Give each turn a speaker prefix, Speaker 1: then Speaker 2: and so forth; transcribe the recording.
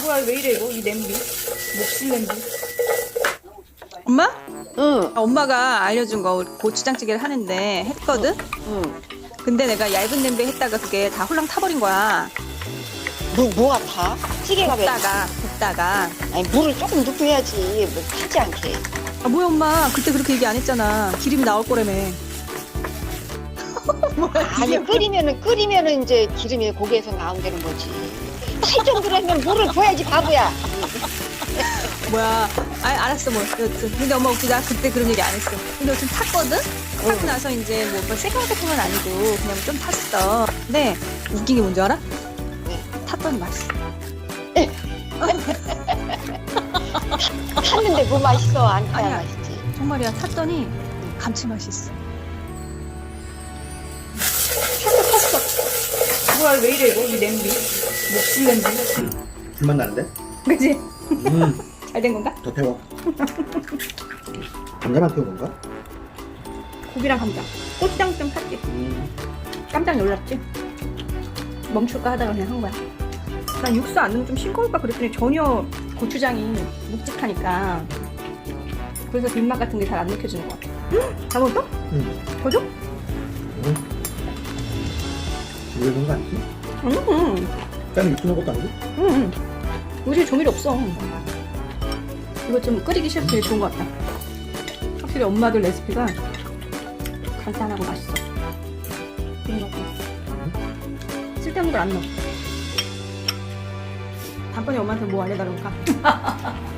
Speaker 1: 뭐야 왜 이래 이거 이 냄비 목실 냄비.
Speaker 2: 엄마?
Speaker 3: 응.
Speaker 2: 엄마가 알려준 거 고추장찌개를 하는데 했거든?
Speaker 3: 응.
Speaker 2: 근데 내가 얇은 냄비에 했다가 그게 다 홀랑 타버린 거야.
Speaker 3: 뭐가 타? 찌개가 왜?
Speaker 2: 볶다가.
Speaker 3: 아니 물을 조금 넣고 해야지 뭐 타지 않게.
Speaker 2: 아 뭐야 엄마 그때 그렇게 얘기 안 했잖아. 기름이 나올 거라며.
Speaker 3: 아니 끓이면은 이제 기름이 고기에서 나온다는 거지. 탈 정도라면 물을 부어야지 바보야.
Speaker 2: 뭐야. 아 알았어 뭐 여튼. 근데 엄마 웃기다. 그때 그런 얘기 안 했어. 근데 여튼 탔거든? 타고 나서 이제 뭐 생각 같은 건 아니고 그냥 좀 탔어. 근데 웃긴 게 뭔지 알아? 탔더니 맛있어.
Speaker 3: 탔는데 뭐 맛있어? 안 타야
Speaker 2: 아니야.
Speaker 3: 맛있지.
Speaker 2: 정말이야. 탔더니 감칠맛이 있어.
Speaker 1: 뭐야 왜 이래 이거 이 냄비 목실 냄비.
Speaker 4: 불맛 나는데?
Speaker 1: 그지? 잘 된 건가?
Speaker 4: 더 태워. 감자만 태운 건가?
Speaker 1: 고기랑 감자 고추장 좀 탔지. 깜짝 놀랐지? 멈출까 하다가 그냥 한 거야. 난 육수 안 넣으면 좀 싱거울까 그랬더니 전혀 고추장이 묵직하니까 그래서 뒷맛 같은 게 잘 안 느껴지는 것 같아. 다 먹었어?
Speaker 4: 응.
Speaker 1: 더 줘?
Speaker 4: 왜 그런 거 아니지? 짠 육수 넣은 것도 아니고?
Speaker 1: 요새 조미료 없어. 이거 좀 끓이기 싫을 때 좋은 것 같다. 확실히 엄마들 레시피가 간단하고 맛있어. 그런 것 같아. 쓸데없는 걸 안 넣어. 다음번에 엄마한테 뭐 알려달라고 할까?